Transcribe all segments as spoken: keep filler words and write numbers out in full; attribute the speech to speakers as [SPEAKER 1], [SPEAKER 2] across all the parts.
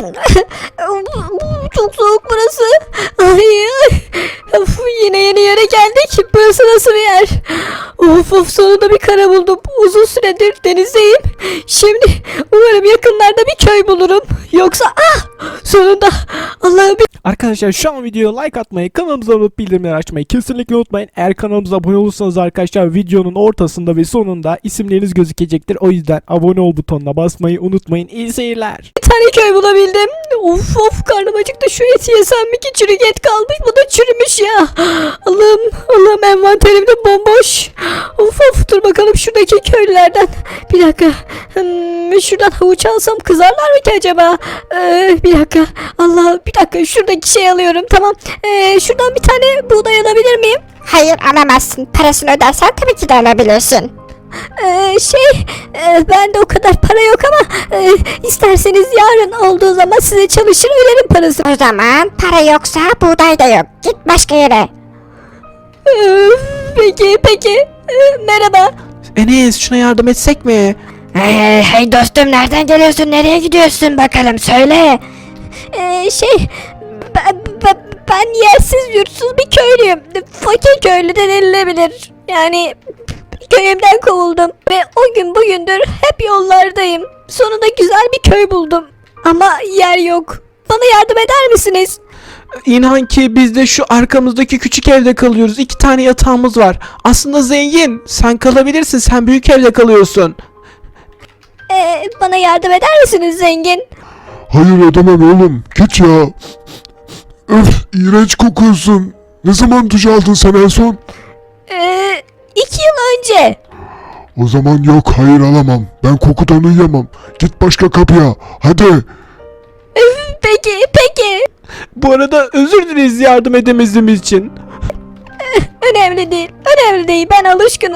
[SPEAKER 1] Çok soğuk burası. Ay, of, yine yeni yere geldik. Burası nasıl bir yer? Of of, sonunda bir kara buldum. Uzun süredir denizdeyim. Şimdi umarım yakınlarda bir köy bulurum. Yoksa ah sonunda Allah'ım.
[SPEAKER 2] Arkadaşlar şu an videoya like atmayı, kanalımıza abone olup bildirimleri açmayı kesinlikle unutmayın. Eğer kanalımıza abone olursanız arkadaşlar videonun ortasında ve sonunda isimleriniz gözükecektir. O yüzden abone ol butonuna basmayı unutmayın. İyi seyirler.
[SPEAKER 1] Bir tane köy bulabildim. Of of, karnım acıktı. Şu eti yesem mi ki? Çürük et kalmış. Bu da çürümüş ya. Allah'ım Allah'ım, envanterim de bomboş. Of of, dur bakalım şuradaki köylülerden. Bir dakika. Hmm, şuradan havuç alsam kızarlar mı ki acaba? Ee, bir dakika. Allah, bir dakika. Şuradaki şey alıyorum. Tamam. Ee, şuradan bir tane buğday alabilir miyim?
[SPEAKER 3] Hayır, alamazsın. Parasını ödersen tabii ki de alabilirsin.
[SPEAKER 1] Ee, şey e, bende o kadar para yok ama e, isterseniz yarın olduğu zaman size çalışır öderim parası.
[SPEAKER 3] O zaman para yoksa buğday da yok. Git başka yere.
[SPEAKER 1] Ee, peki peki. Ee, merhaba.
[SPEAKER 2] Enes, şuna yardım etsek mi?
[SPEAKER 3] Hey, hey dostum, nereden geliyorsun? Nereye gidiyorsun bakalım, söyle.
[SPEAKER 1] Ee, şey ben, ben, ben yersiz yurtsuz bir köylüyüm. Fakir köylü de denilebilir. Yani köyümden kovuldum ve o gün bugündür hep yollardayım. Sonunda güzel bir köy buldum. Ama yer yok. Bana yardım eder misiniz?
[SPEAKER 2] İnan ki biz de şu arkamızdaki küçük evde kalıyoruz. İki tane yatağımız var. Aslında zengin. Sen kalabilirsin. Sen büyük evde kalıyorsun.
[SPEAKER 1] Ee, bana yardım eder misiniz zengin?
[SPEAKER 4] Hayır, edemem oğlum. Git ya. Öf, iğrenç kokuyorsun. Ne zaman duş aldın sen en son?
[SPEAKER 1] Ee, iki yıl önce.
[SPEAKER 4] O zaman yok, hayır alamam. Ben kokudan uyuyamam. Git başka kapıya. Hadi.
[SPEAKER 1] Peki peki.
[SPEAKER 2] Bu arada özür dileriz yardım edemediğimiz için.
[SPEAKER 1] Önemli değil. Önemli değil. Ben alışkınım.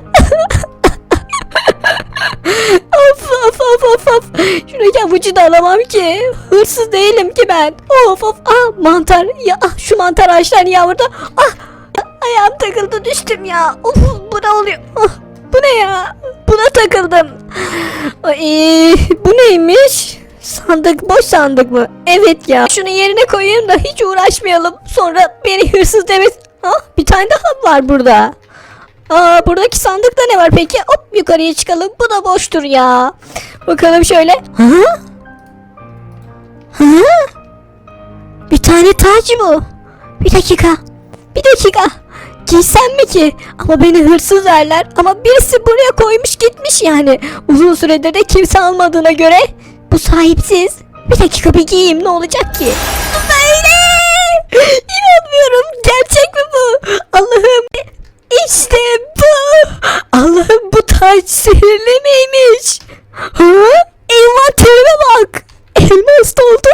[SPEAKER 1] Of of of of of. Şuradaki havucu da alamam ki. Hırsız değilim ki ben. Of of. Ah, mantar. Ya ah, şu mantar ağaçlar niye burada? Ah, ayağım takıldı, düştüm ya. Of, bu ne oluyor? Ah, bu ne ya? Buna takıldım. Ay, bu neymiş? Sandık, boş sandık mı? Evet ya. Şunu yerine koyayım da hiç uğraşmayalım. Sonra beni hırsız demesin. Ah, bir tane daha var burada. Aa, buradaki sandıkta ne var peki? Hop, yukarıya çıkalım. Bu da boştur ya. Bakalım şöyle. Hı? Hı? Bir tane taç bu. Bir dakika. Bir dakika. Giysem mi ki? Ama beni hırsız derler. Ama birisi buraya koymuş gitmiş yani. Uzun süredir de kimse almadığına göre bu sahipsiz. Bir dakika, bir giyeyim, ne olacak ki? Böyle. İnanmıyorum. Gerçek mi bu? Allah'ım. İşte bu. Allah'ım, bu taç sihirli miymiş? Ha? Envanterime bak. Elmas doldu.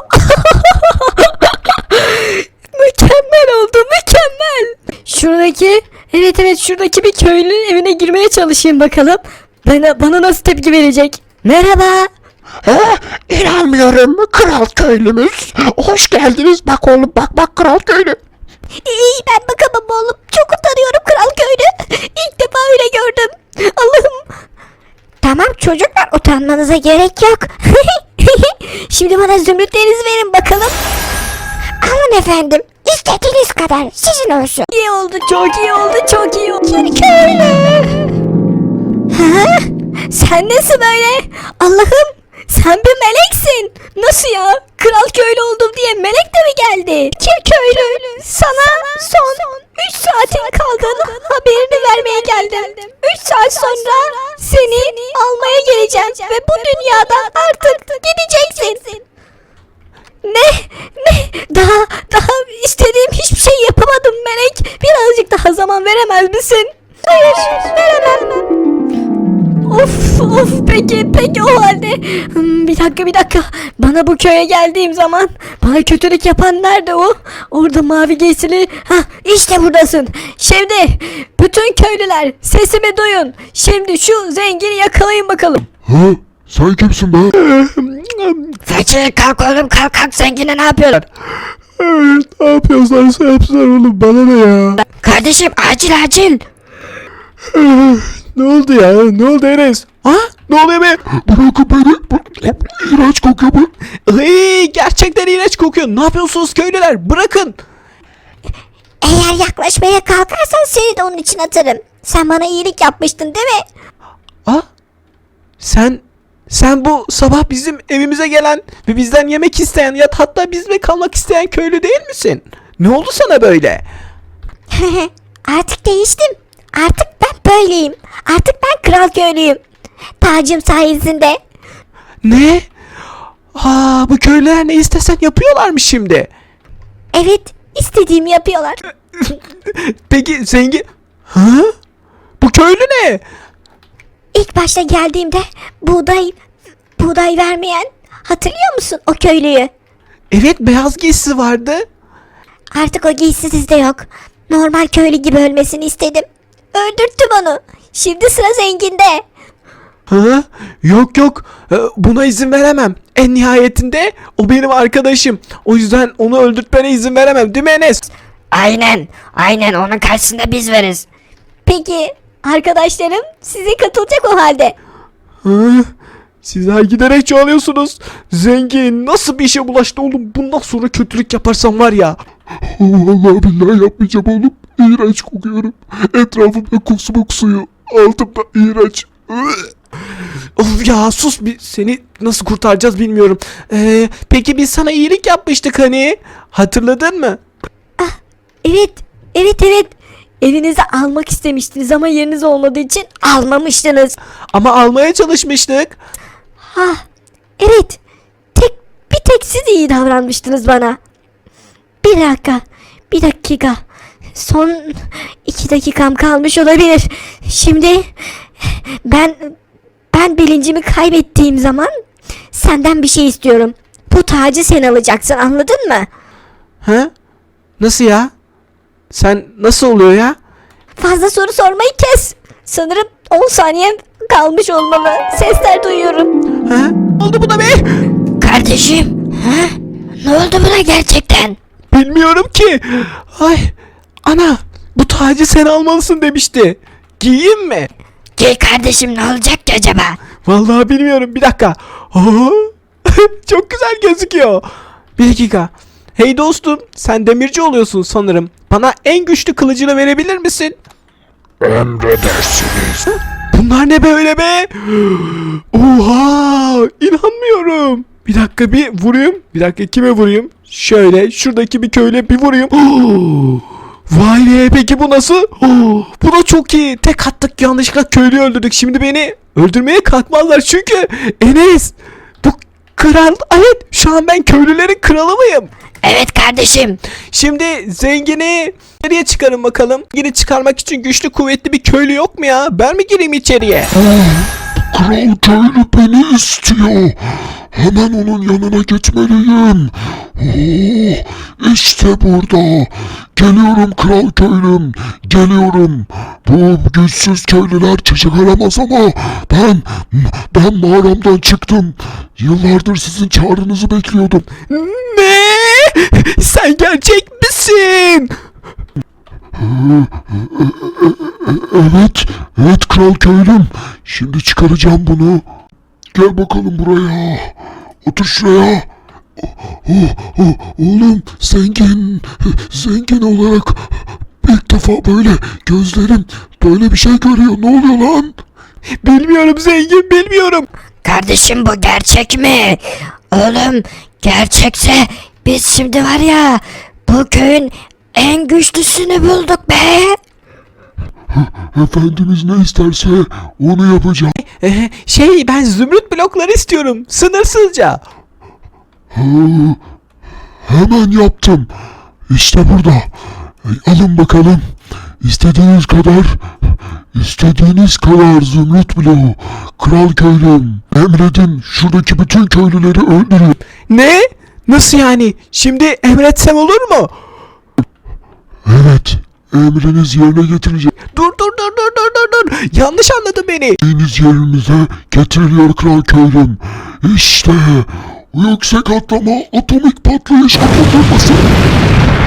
[SPEAKER 1] Mükemmel oldu, mükemmel. Şuradaki, evet evet şuradaki bir köylünün evine girmeye çalışayım bakalım. Bana, bana nasıl tepki verecek? Merhaba.
[SPEAKER 5] He, inanmıyorum, kral köylümüz. Hoş geldiniz, bak oğlum, bak bak kral köylü.
[SPEAKER 1] İyi, ben bakamam oğlum. Çok utanıyorum kral köylü. İlk defa öyle gördüm. Allah'ım.
[SPEAKER 3] Tamam çocuklar, utanmanıza gerek yok.
[SPEAKER 1] Şimdi bana zümrütlerinizi verin bakalım.
[SPEAKER 3] Alın efendim, istediğiniz kadar sizin olsun.
[SPEAKER 1] İyi oldu, çok iyi oldu, çok iyi oldu. Köylü. Ha? Sen nesin böyle? Allah'ım, sen bir meleksin. Nasıl ya? Kral köylü oldum diye melek de mi geldi? Ki köylü, sana son üç saatin kaldığını haberini vermeye geldim. üç saat sonra seni almaya geleceğim ve bu dünyadan artık gideceksin. Ne? Ne? Daha, daha istediğim hiçbir şey yapamadım melek. Birazcık daha zaman veremez misin? Hayır, veremem. Of of, peki peki o halde. Hmm, bir dakika bir dakika. Bana bu köye geldiğim zaman bana kötülük yapan nerede o? Orada mavi giysili. Hah, işte buradasın. Şimdi bütün köylüler sesimi duyun. Şimdi şu zengini yakalayın bakalım.
[SPEAKER 4] Ha? Sen kimsin be?
[SPEAKER 3] Fakir, kalk oğlum, kalk kalk, zengine ne yapıyorsun?
[SPEAKER 4] Evet, ne yapıyorlarsa yapsınlar oğlum, bana ne ya?
[SPEAKER 3] Kardeşim, acil acil.
[SPEAKER 2] Ne oldu ya? Ne oldu Enes? Ha? Ne oluyor be?
[SPEAKER 4] Bırakın beni. Bu- İğrenç kokuyor bu.
[SPEAKER 2] Ay, gerçekten iğrenç kokuyor. Ne yapıyorsunuz köylüler? Bırakın.
[SPEAKER 1] Eğer yaklaşmaya kalkarsan seni de onun için atarım. Sen bana iyilik yapmıştın değil mi?
[SPEAKER 2] Ah? Sen sen bu sabah bizim evimize gelen ve bizden yemek isteyen ya hatta bizle kalmak isteyen köylü değil misin? Ne oldu sana böyle?
[SPEAKER 1] Artık değiştim. Artık ben böyleyim. Artık ben kral köylüyüm. Tacım sayesinde.
[SPEAKER 2] Ne? Aa, bu köylüler ne istesen yapıyorlarmış şimdi.
[SPEAKER 1] Evet, istediğimi yapıyorlar.
[SPEAKER 2] Peki zengin... Ha? Bu köylü ne?
[SPEAKER 1] İlk başta geldiğimde buğday buğday vermeyen, hatırlıyor musun o köylüyü?
[SPEAKER 2] Evet, beyaz giysisi vardı.
[SPEAKER 1] Artık o giysi sizde yok. Normal köylü gibi ölmesini istedim. Öldürttüm onu. Şimdi sıra zenginde.
[SPEAKER 2] Ha? Yok yok, Ee, buna izin veremem. En nihayetinde o benim arkadaşım. O yüzden onu öldürtmene izin veremem, değil mi Enes?
[SPEAKER 3] Aynen. Aynen onun karşısında biz varız.
[SPEAKER 1] Peki arkadaşlarım size katılacak o halde.
[SPEAKER 2] Ha? Sizler giderek çoğalıyorsunuz. Zengin nasıl bir işe bulaştı oğlum? Bundan sonra kötülük yaparsam var ya.
[SPEAKER 4] Vallahi billahi yapmayacağım oğlum. İğrenç kokuyorum. Etrafımda kusmuk suyu. Altımda iğrenç.
[SPEAKER 2] Of ya, sus bir, seni nasıl kurtaracağız bilmiyorum. Ee, peki biz sana iyilik yapmıştık hani. Hatırladın mı?
[SPEAKER 1] Evet, evet evet. Evinize almak istemiştiniz ama yeriniz olmadığı için almamıştınız.
[SPEAKER 2] Ama almaya çalışmıştık.
[SPEAKER 1] Ha, evet. Tek bir tek siz iyi davranmıştınız bana. Bir dakika, bir dakika. Son iki dakikam kalmış olabilir. Şimdi ben ben bilincimi kaybettiğim zaman senden bir şey istiyorum. Bu tacı sen alacaksın, anladın mı?
[SPEAKER 2] Ha? Nasıl ya? Sen nasıl oluyor ya?
[SPEAKER 1] Fazla soru sormayı kes. Sanırım on saniyem kalmış olmalı. Sesler duyuyorum.
[SPEAKER 2] Ha? Oldu bu da be?
[SPEAKER 3] Kardeşim. Ha? Ne oldu buna gerçekten?
[SPEAKER 2] Bilmiyorum ki. Ay, ana, bu tacı sen almalısın demişti. Giyeyim mi?
[SPEAKER 3] Giy kardeşim, ne olacak ki acaba?
[SPEAKER 2] Vallahi bilmiyorum. Bir dakika. Aa, çok güzel gözüküyor. Bir dakika. Hey dostum, sen demirci oluyorsun sanırım. Bana en güçlü kılıcını verebilir misin?
[SPEAKER 4] Emredersiniz.
[SPEAKER 2] Bunlar ne böyle be? Oha! İnanmıyorum. Bir dakika, bir vurayım. Bir dakika, kime vurayım? Şöyle şuradaki bir köyle bir vurayım. Vay be, peki bu nasıl? Bu da çok iyi. Tek attık, yanlışlıkla köylüyü öldürdük. Şimdi beni öldürmeye kalkmazlar çünkü Enes, bu kral. Evet, şu an ben köylülerin kralı mıyım?
[SPEAKER 3] Evet kardeşim.
[SPEAKER 2] Şimdi zengini nereye çıkarın bakalım? Zengini çıkarmak için güçlü kuvvetli bir köylü yok mu ya? Ben mi gireyim içeriye?
[SPEAKER 4] Kral köylü beni istiyor. Hemen onun yanına geçmeliyim. Oo, işte burada. Geliyorum kral köylüm. Geliyorum. Bu güçsüz köylüler çıkaramaz ama ben ben mağaramdan çıktım. Yıllardır sizin çağrınızı bekliyordum.
[SPEAKER 2] Ne? Sen gerçek misin?
[SPEAKER 4] Evet, evet kral köylüm. Şimdi çıkaracağım bunu. Gel bakalım buraya. Otur şuraya. Oh, oh, oğlum zengin, zengin olarak ilk defa böyle gözlerim böyle bir şey görüyor. Ne oluyor lan?
[SPEAKER 2] Bilmiyorum zengin, bilmiyorum.
[SPEAKER 3] Kardeşim bu gerçek mi? Oğlum gerçekse biz şimdi var ya bu köyün en güçlüsünü bulduk be.
[SPEAKER 4] Efendimiz ne isterse onu yapacağım.
[SPEAKER 2] Ee, şey, ben zümrüt blokları istiyorum. Sınırsızca.
[SPEAKER 4] Hı, hemen yaptım. İşte burada. Alın bakalım. İstediğiniz kadar, istediğiniz kadar zümrüt bloğu. Kral köylüm, emredin şuradaki bütün köylüleri öldürün.
[SPEAKER 2] Ne? Nasıl yani? Şimdi emretsem olur mu?
[SPEAKER 4] Evet, emriniz yerine getireceğim.
[SPEAKER 2] Dur dur dur dur dur dur dur. Yanlış anladın beni.
[SPEAKER 4] Deniz yerinize getiriliyor kral köylüm. İşte yüksek atlama atomik patlayış atlatılması.